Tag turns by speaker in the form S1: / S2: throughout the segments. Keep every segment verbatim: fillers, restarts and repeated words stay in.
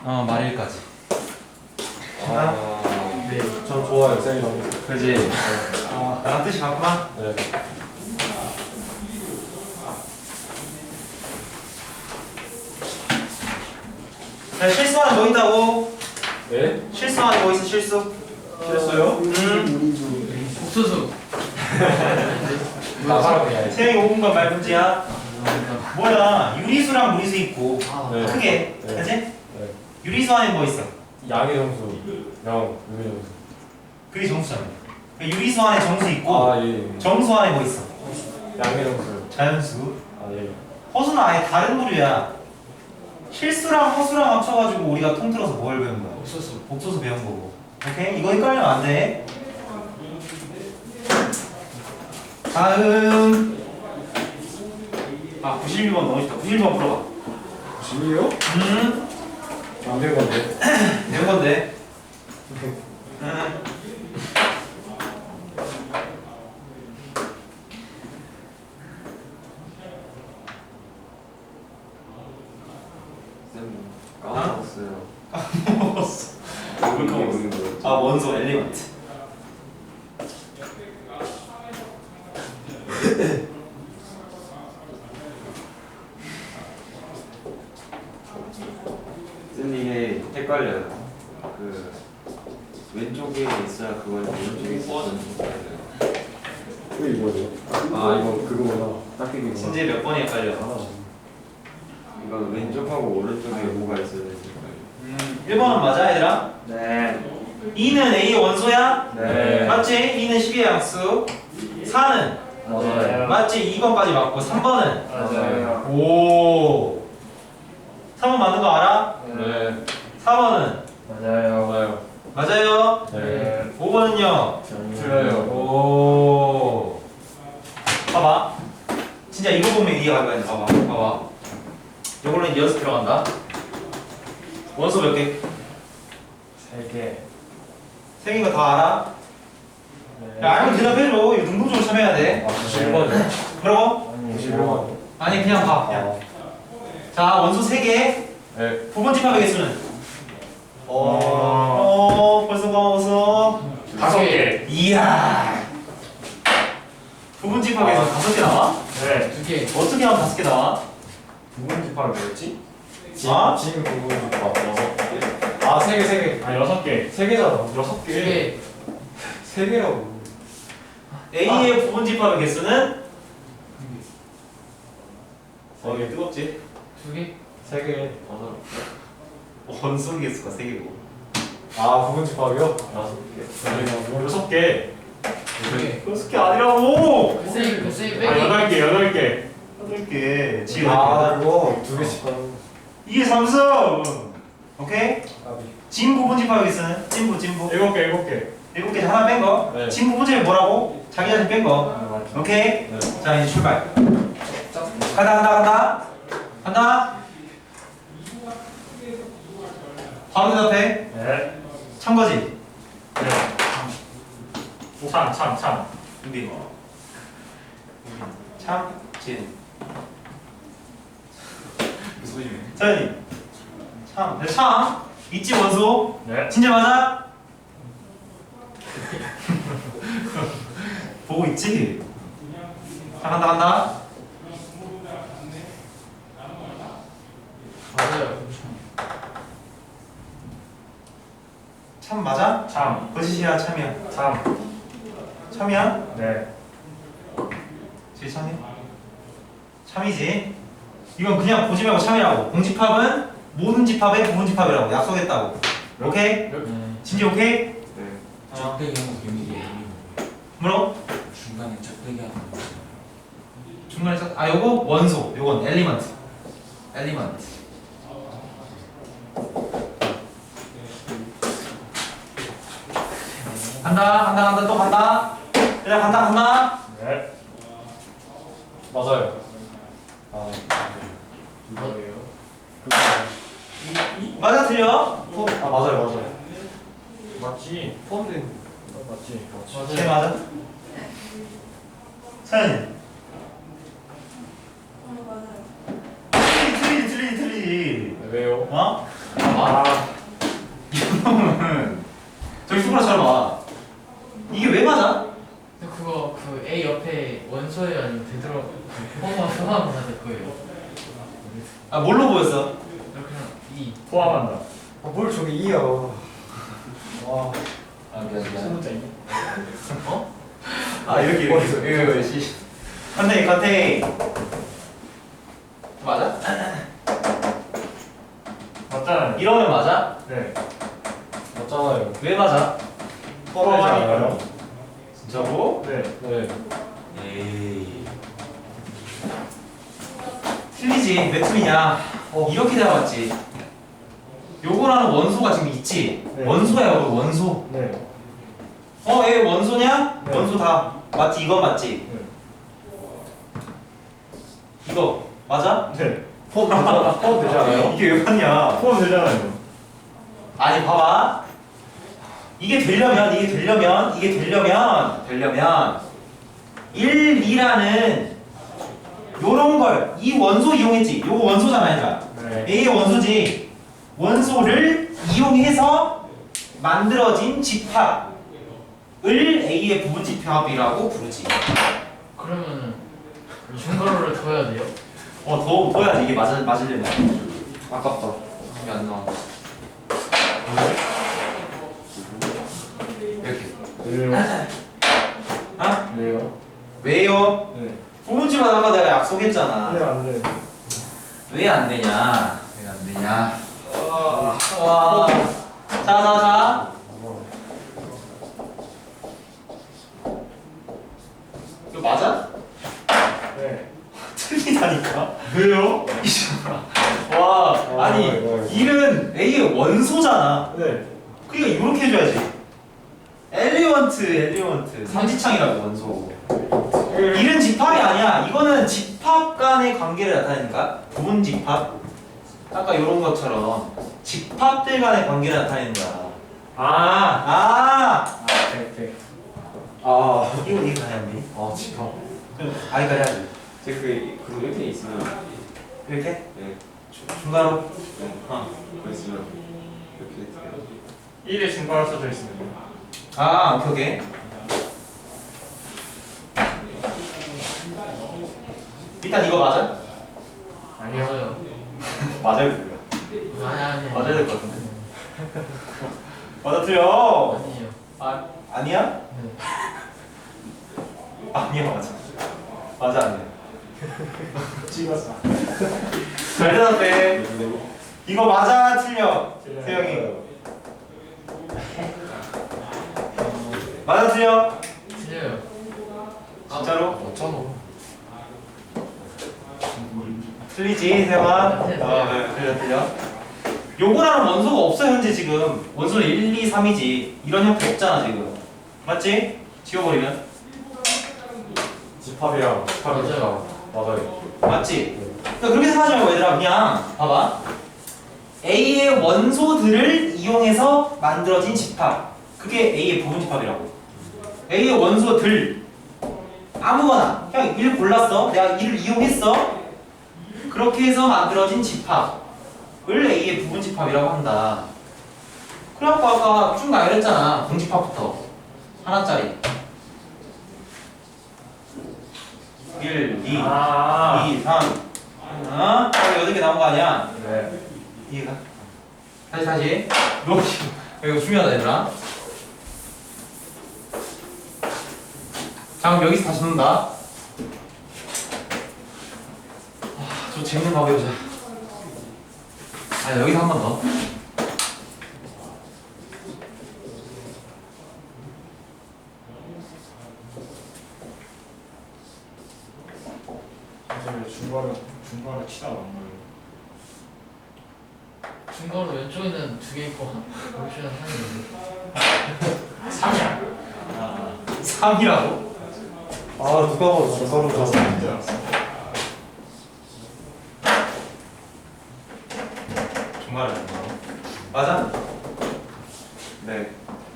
S1: 어 말일까지.
S2: 아, 네, 전 좋아요, 쌤이 너무.
S1: 그지?
S2: 아,
S1: 나랑 뜻이 같구만.
S2: 네.
S1: 자, 실수하는 뭐 있다고?
S2: 네?
S1: 실수하는 뭐 있어, 실수?
S2: 실수요?
S1: 응?
S3: 옥수수.
S2: 나가라고 해야지.
S1: 세영이 오 분간 말 문제야. 뭐야, 유리수랑 무리수 있고.
S2: 네.
S1: 크게.
S2: 네.
S1: 그지?
S2: 네.
S1: 유리수 안에 뭐 있어?
S2: 양의 정수, 영, 유의 정수.
S1: 그게 정수잖아. 유리수 안에 정수 있고,
S2: 아, 예. 예.
S1: 정수 안에 뭐 있어?
S2: 양의 정수.
S1: 자연수.
S2: 아, 예.
S1: 허수는 아예 다른 부류야. 실수랑 허수랑 합쳐가지고 우리가 통틀어서 뭘 배운 거야?
S3: 옥수수.
S1: 복소수 배운 거고. 오케이? 이거 헷갈리면 안 돼. 다음. 아, 구십일 번 너무 쉽다. 구십일 번 풀어봐.
S2: 진이요?
S1: 음,
S2: 안 된 건데.
S1: 내 건데. 음.
S4: 쌤 까먹었어요.
S1: 까먹었어.
S4: 뭘 까먹었는 거예요?
S1: 아, 원소 엘리먼트.
S4: 쌤 이게 헷갈려요. 그 왼쪽에 있어야 그걸 오른쪽에 있어야
S2: 그게 이거죠. 아, 이거 그거구나. 닦이기구나.
S1: 진짜 몇 번이 헷갈려?
S4: 이거 왼쪽하고 오른쪽에 뭐가 있어야 되니까.
S1: 음, 일 번은 맞아, 얘들아?
S4: 네.
S1: 이는 A의 원소야?
S4: 네.
S1: 맞지? 이는 십이의 양수. 사는?
S4: 맞아요.
S1: 맞지? 이 번까지 맞고 삼 번은?
S4: 맞아요.
S1: 오. 삼 번 맞는 거 알아?
S2: 네.
S1: 사 번은?
S4: 맞아요.
S2: 맞아요.
S1: 맞아요?
S2: 네.
S1: 오 번은요?
S2: 틀려요.
S1: 오. 봐봐. 진짜 이거 보면 이해가 갈 거야. 봐봐. 봐봐. 이걸로 이제 연습 들어간다. 원소 몇 개?
S2: 세 개.
S1: 세 개인 거 다 알아? 야, 알면 대답해줘. 이거 능동적으로 참여해야 돼.
S2: 아, 구십일 번이요?
S1: 뭐라고?
S2: 구십일 번.
S1: 아니, 그냥 봐. 그냥. 자, 원소 세 개.
S2: 네.
S1: 부분 집합의 개수는? 어, 어, 벌써 까먹었어.
S2: 다섯 개.
S1: 이야. 부분 집합에서
S2: 아.
S1: 다섯 개 나와?
S2: 네.
S3: 두 개.
S1: 어떻게 하면 다섯 개 나와?
S2: 부분 집합이 뭐였지?
S1: 아?
S2: 진 부분 집합 여섯 개. 아, 세 개, 세 개. 아, 여섯 개. 세 개잖아. 여섯
S3: 두 개.
S2: 세 개라고.
S1: A의 부분 집합의 개수는? 어,
S2: 개.
S1: 이게 뜨겁지?
S3: 두 개.
S2: 세 개.
S1: 원소 개수가 세 개고.
S2: 아, 부분 집합이요? 여섯 개.
S1: 여섯 개.
S3: 두 개.
S1: 여섯 개 아니라고!
S3: 글쎄, 글쎄, 빼기.
S2: 아, 여덟 개, 여덟 개.
S1: 여덟 개. 지금
S2: 아, 이거 두 개씩 하는.
S1: 이게 삼성! 오케이?
S2: 아,
S1: 진 부분 집합의 개수는? 진부, 진부.
S2: 일곱 개, 일곱 개.
S1: 일곱 개 하나 뺀 거.
S2: 네.
S1: 진 부분 집합이 뭐라고? 자기 자신 뺀 거.
S2: 아, 맞죠.
S1: 오케이?
S2: 네.
S1: 자, 이제 출발. 간다, 간다, 간다. 간다. 바로 대답해.
S2: 네.
S1: 참 거지?
S2: 네. 참, 참, 참.
S1: 준비. 참, 진. 소심해. 서현이. 참. 네, 참. 있지, 원소?
S2: 네.
S1: 진짜 맞아? 보고 있지? 자, 간다, 간다.
S3: 맞아요.
S1: 참 맞아?
S2: 참.
S1: 거짓이야, 참이야?
S2: 참.
S1: 참이야?
S2: 네.
S1: 제 참이야? 참이지? 이건 그냥 보지 말고 참이라고. 공집합은 모든 집합의 부분 집합이라고 약속했다고. 오케이? 진지 오케이?
S4: 네.
S1: 어.
S5: 적대기 하고 비밀이
S1: 뭐라고?
S5: 중간에 적대기 하고
S1: 중간에 써? 아, 요거 원소. 요건 엘리먼트. 엘리먼트. 간다, 간다, 간다, 또 간다. 얘들아, 간다, 간다.
S2: 네. 맞아요. 아,
S3: 이거예요.
S1: 맞아, 틀려?
S2: 아, 맞아요, 맞아요. 맞지. 포함된. 맞지. 맞지.
S1: 쟤 맞아? 사연이. 틀리지, 틀리지, 틀리지, 틀리지.
S2: 왜요?
S1: 어?
S3: 봐.
S2: 아,
S1: 이놈은 저기 수그라처럼 와. 이게 왜 맞아?
S3: 근데 그거 그 A 옆에 원소예요 아니면 되돌아 포함 포함 다될 거예요.
S1: 아 뭘로 보였어?
S3: 그냥 E.
S2: 포함한다.
S6: 아, 뭘 저기 이요. 와.
S5: 아 미안 미안.
S2: 소문자 있네.
S3: 어?
S1: 아 이렇게 이렇게 이거 이거 씨. 컨테이 컨테이. 맞아?
S2: 맞잖아요.
S1: 이러면 맞아?
S2: 네.
S6: 맞잖아요.
S1: 왜 맞아?
S2: 포함하니까요.
S1: 진짜로?
S2: 네.
S6: 네.
S1: 에이. 틀리지. 왜 틀리냐? 어, 이렇게 잡았지. 요거라는 원소가 지금 있지.
S2: 네.
S1: 원소야, 이거 원소.
S2: 네.
S1: 어, 얘 원소냐?
S2: 네.
S1: 원소 다 맞지. 이건 맞지.
S2: 네.
S1: 이거 맞아?
S2: 네.
S6: 포함 되잖아. 포함 되지 않아요?
S1: 이게 왜 맞냐?
S2: 포함 되잖아요.
S1: 아니 봐봐. 이게 되려면 이게 되려면 이게 되려면 되려면 일, 이라는 요런 걸 이 원소 이용했지. 요거 원소잖아, 얘들아.
S2: 네.
S1: A의 원소지. 원소를 이용해서 만들어진 집합을 A의 부분 집합이라고 부르지.
S3: 그러면은 중괄호를 둬야 돼요?
S1: 어, 더 둬야지 이게 맞을 맞으려면.
S6: 아깝다. 이게 안 나와.
S1: 이렇게.
S2: 왜요?
S1: 아?
S2: 왜요?
S1: 왜요?
S2: 네.
S1: 부분 집합 아까 내가 약속했잖아.
S2: 네, 안 돼.
S1: 왜 안 되냐? 왜 안 되냐? 와. 자, 자, 자. 이거 맞아?
S2: 네.
S1: 틀리다니까.
S2: 왜요?
S1: 와,
S6: 아,
S1: 아니
S6: 네, 네.
S1: 일은 A의 원소잖아.
S2: 네.
S1: 그러니까 이렇게 해줘야지. 엘리먼트, 엘리먼트. 삼지창이라고 원소. 일은 집합이 아니야. 이거는 집합 간의 관계를 나타내니까. 부분 집합. 아까 이런 것처럼 집합들 간의 관계를 나타내는 거야.
S2: 아.
S1: 아,
S2: 아, 네, 네.
S6: 아.
S1: 이거 이거 가야 돼.
S6: 아, 집합.
S1: 아이까지 하지.
S4: 제가 그 그거 이렇게 있으면
S1: 이렇게
S4: 네.
S1: 중괄호.
S4: 네.
S1: 어.
S4: 그거 있으면 이렇게 돼요.
S2: 일에 증가로 써져 있습니다.
S1: 아, 오케이 오케이. 일단 이거 맞아?
S3: 아니요.
S1: 맞아요, 틀려.
S3: 아니 아니.
S1: 맞아야 될 것 같은데. 맞아, 틀려.
S3: 아니에요.
S1: 아, 아니야?
S3: 네.
S1: 아니야, 맞아. 맞아, 아니야.
S2: 찍었어.
S1: 잘 대답해. 이거 맞아, 틀려.
S2: 틀려요.
S1: 세영이. 맞아, 틀려.
S3: 틀려요.
S1: 진짜로?
S6: 맞잖아.
S1: 틀리지, 세영아.
S3: 네, 네.
S1: 어, 네, 틀려, 틀려. 요거라는 원소가 없어, 현재 지금. 원소는 일, 이, 삼이지. 이런 형태 없잖아, 지금. 맞지? 지워버리면.
S6: 집합이랑 집합이
S3: 맞아요.
S6: 맞아요.
S1: 맞지? 그러니까 그렇게 생각하지 말고 얘들아, 그냥 봐봐. A의 원소들을 이용해서 만들어진 집합. 그게 A의 부분 집합이라고. A의 원소들 아무거나 그냥 일 골랐어. 내가 일을 이용했어. 그렇게 해서 만들어진 집합을 A의 부분 집합이라고 한다. 그래갖고 아까 쭉 나열했잖아. 공집합부터 하나짜리. 일, 이,
S2: 아.
S1: 이, 삼. 어? 여덟 개 나온 거 아니야?
S2: 네.
S1: 이해가? 다시 다시. 이거 이거 중요하다 얘들아. 자 그럼 여기서 다시 놓는다. 아, 저 재밌는 거 해보자. 아 여기서 한 번 더.
S2: 사실 중괄호 중괄호 치다가 안 보여요.
S3: 중괄호 왼쪽에는 두 개 있고 한 오른쪽에는 하나 있는데.
S2: 삼이야.
S1: 아, 삼이라고?
S6: 아, 누가 봐도 저 서로 가서.
S1: 중간에 맞아?
S4: 네.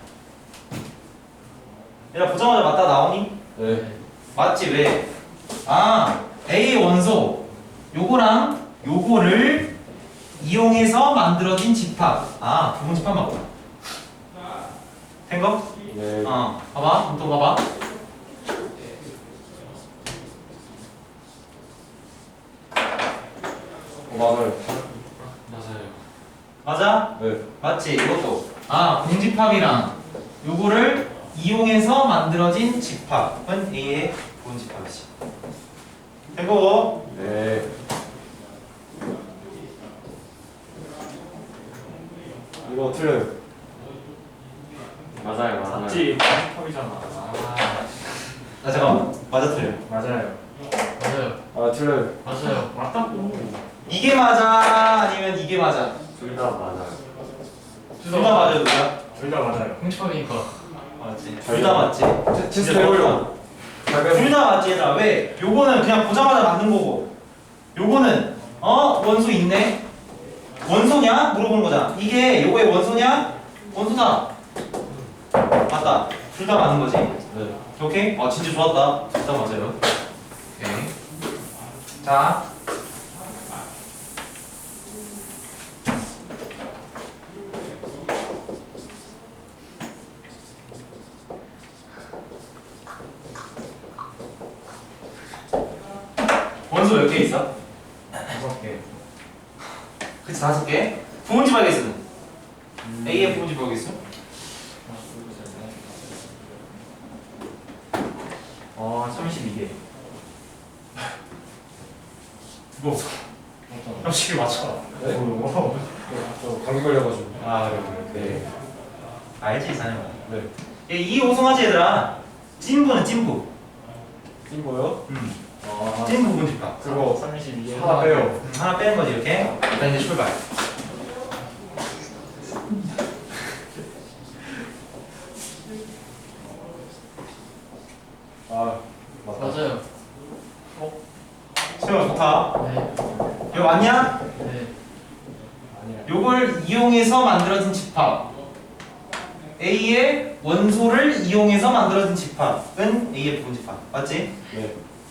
S1: 얘들아 보자마자 맞다 나오니?
S6: 네.
S1: 맞지 왜? 아 A의 원소 요거랑 요거를 이용해서 만들어진 집합. 아, 부분 집합 맞구나. 된 거?
S6: 네.
S1: 어, 봐봐. 또 봐봐.
S6: 어, 맞아요.
S5: 맞아요.
S1: 맞아?
S6: 네.
S1: 맞지? 이것도. 아, 공집합이랑 요거를 이용해서 만들어진 집합은 A의 부분 집합이지. 된 거고.
S6: 네. 이거 틀려요.
S4: 맞아요 맞아요.
S2: 맞지? 팝이잖아.
S1: 아, 잠깐만. 맞아, 틀려.
S2: 맞아요.
S3: 맞아요.
S6: 아, 틀려요.
S3: 맞아요.
S2: 맞다고.
S1: 이게 맞아? 아니면 이게 맞아?
S4: 둘 다 맞아요.
S1: 둘 다 맞아요, 누가?
S2: 둘 다 맞아요.
S3: 공집합이니까.
S1: 맞지. 둘 다 맞지.
S6: 테- 테스트 해보려고.
S1: 둘 다 맞지, 얘들아. 왜? 요거는 그냥 보자마자 맞는 거고, 요거는 어? 원소 있네? 원소냐? 물어보는 거잖아. 이게 요거의 원소냐? 원소다. 맞다. 둘 다 맞는 거지.
S6: 네.
S1: 오케이? 아, 진짜 좋았다. 둘 다 맞아요. 오케이. 자. 원소 몇 개 있어?
S2: 다섯 개.
S1: 그치, 다섯 개. 부분집 하겠어. A의 부분집 하겠어?
S2: 어, 삼십이 개. 무거워. 삼십이 맞춰.
S6: 네?
S2: 무거워.
S6: 저 감기 걸려가지고.
S1: 아, 그래, 그래.
S6: 네.
S1: 알지, 사장님.
S6: 네.
S1: 얘 이 오송하지, 얘들아. 찐부는 찐부.
S6: 이거요?
S1: 음.
S2: 아,
S1: 찐부 부분집합.
S2: 그거 삼십이 개.
S6: 하나 빼요.
S1: 음, 하나 빼는 거지, 이렇게. 일단 이제 출발.
S6: 아, 맞다.
S3: 맞아요.
S1: 세워, 좋다.
S3: 네.
S1: 이거 맞냐?
S3: 네.
S6: 아니야.
S1: 요걸 이용해서 만들어진 집합. A의 원소를 이용해서 만들어진 집합은 A의 부분 집합. 맞지?
S6: 네.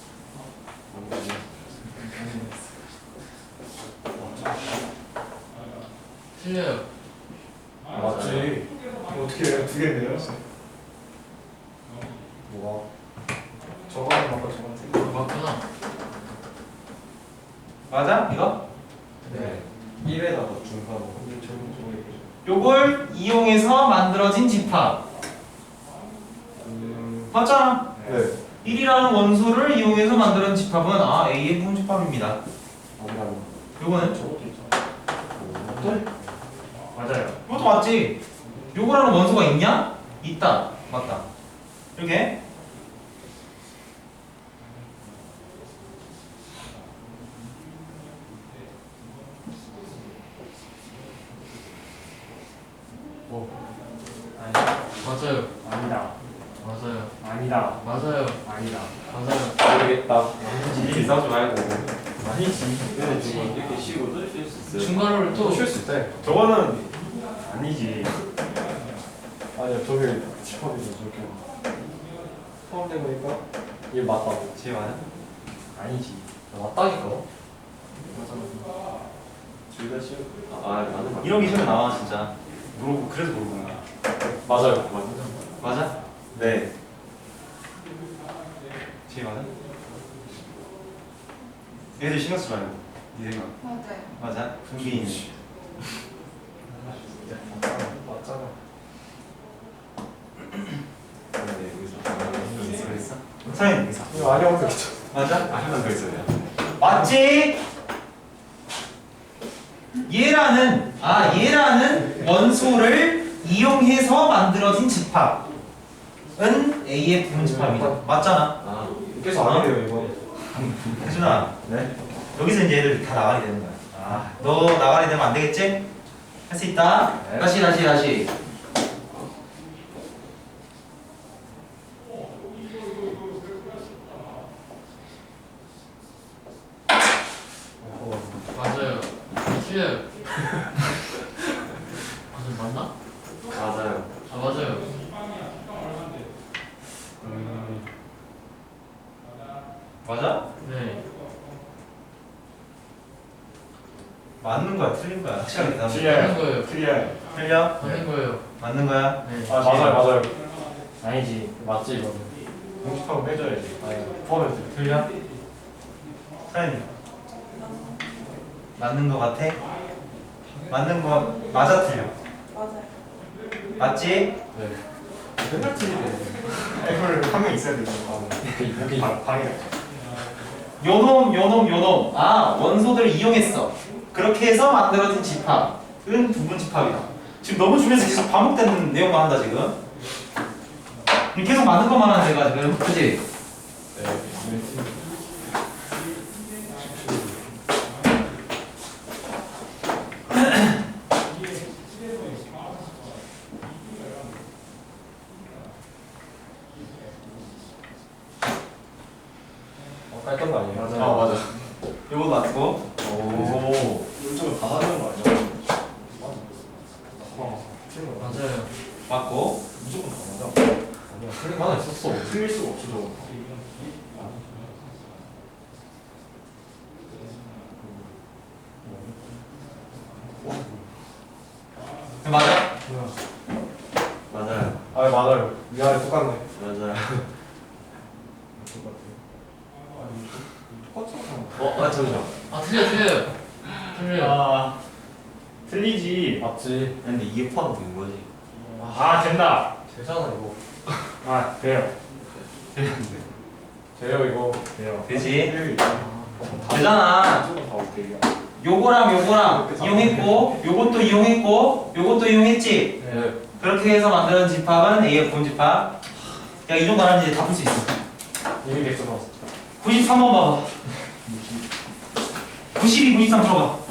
S3: 틀려요.
S6: 맞지.
S2: 어떻게 해요? 두 개인데요?
S6: 뭐가?
S2: 저거는 맞고 저거는 틀려.
S3: 맞구나.
S1: 맞아? 이거?
S6: 네. 일에다가 중간으로. 근데 저는 저거
S1: 요걸 이용해서 만들어진 집합.
S6: 음.
S1: 맞잖아.
S6: 네.
S1: 일이라는 원소를 이용해서 만들어진 집합은 아, A의 부분 집합입니다.
S6: 아니라고.
S1: 요거는
S6: 저것도 있잖아.
S1: 또
S2: 맞아요.
S1: 이것도 맞지? 요거라는 원소가 있냐? 있다. 맞다. 이렇게. 아니,
S3: 맞아요.
S2: 아니다.
S3: 맞아요.
S2: 아니다.
S3: 맞아요.
S2: 아니다.
S3: 맞아요.
S6: 모르겠다.
S4: 이렇게 싸우지 말고.
S2: 아니지.
S4: 근데 지금 이렇게 쉬고 뜰 수 있어요.
S3: 중괄호를 또
S6: 쉴수 있대.
S2: 저거는 아니지.
S6: 아니야, 저게 집합이죠, 저게. 포함된 거니까? 얘 맞다고.
S1: 제 맞아?
S2: 아니지.
S6: 맞다니까?
S4: 둘다 쉬워. 아, 아 맞는 거.
S1: 이런 게 시험에 나와 진짜. 모르고 그래서 모르는 거야.
S6: 맞아요.
S1: 맞아?
S4: 네.
S1: 제 맞아? 얘들 신경 쓰지 말고. 네 생각.
S7: 맞아요.
S1: 맞아? 분기인.
S6: 맞잖아.
S4: 근데 여기서
S1: 그랬어? 사인 의사.
S6: 이거 아니라고 했죠.
S1: 맞아?
S4: 한번 더 있어요.
S1: 맞지? 얘라는 아 얘라는 원소를 이용해서 만들어진 집합은 A의 부분 집합이다. 맞잖아.
S4: 아,
S6: 계속 아니래요, 이거.
S1: 혜준아.
S6: 네?
S1: 여기서 이제 애들 다 나가리 되는 거야. 아, 너 나가리 되면 안 되겠지? 할 수 있다.
S6: 네.
S1: 다시 다시 다시.
S3: 맞아요. 틀려요. 맞아 맞나?
S4: 맞아요.
S3: 아 맞아요.
S6: 음.
S1: 맞아?
S3: 네.
S1: 맞는 거야, 틀린 거야? 확실하게 대답해.
S3: 맞는 거예요.
S2: 틀려.
S1: 틀려?
S3: 맞는 거예요.
S1: 맞는 거야?
S3: 네.
S2: 아 맞아요 맞아요. 아니지 맞지 이거는. 공식하고 빼줘야지. 아니 포함해도 돼.
S1: 틀려? 사연이 맞는 거 같아? 맞는 거 맞아 틀려?
S7: 맞아요.
S1: 맞지?
S2: 네. 맨날 틀리네. 애플 한 명 있어야 되는 거. 오케이 방 방해.
S1: 요놈 요놈 요놈 아 원소들을 이용했어. 그렇게 해서 만들어진 집합은 부분 집합이다. 지금 너무 주변에서 계속 반복되는 내용만 한다 지금. 계속 맞는 것만 하는 데가 지금 그치?
S2: 네. 어, 깔던 거 아니에요?
S1: 맞아요.
S2: 아 맞아.
S1: 요거 맞고
S2: 오. 이쪽은 다 하는 거 아니야? 어. 틀린 거 맞아.
S3: 맞아요.
S1: 맞고
S2: 무조건 다 맞아. 아니야. 틀린 거 하나 있었어. 틀릴 수가 없어 저거.
S1: 맞아?
S4: 맞아요.
S2: 아 맞아요. 위아래 똑같네.
S4: 맞아요.
S2: 똑같잖아.
S4: 어, 아 잠시만.
S3: 아 틀려 틀려요. 틀려요.
S8: 아 틀리지.
S2: 맞지.
S4: 근데 이게 포함된 거지.
S8: 아 된다.
S2: 되잖아 이거.
S8: 아 돼요.
S2: 돼요 이거.
S8: 돼요.
S1: 되지?
S2: 다
S1: 되잖아.
S2: 무조건 다 오케이야.
S1: 요거랑 요거랑 이용했고 요것도 이용했고 요것도 이용했지?
S2: 네.
S1: 그렇게 해서 만드는 집합은 A의 부분 집합. 야 이 정도 하면 이제 다 풀 수 있어.
S2: 이미 됐어.
S1: 구십삼 번 봐봐. 구십이, 구십삼 풀어봐.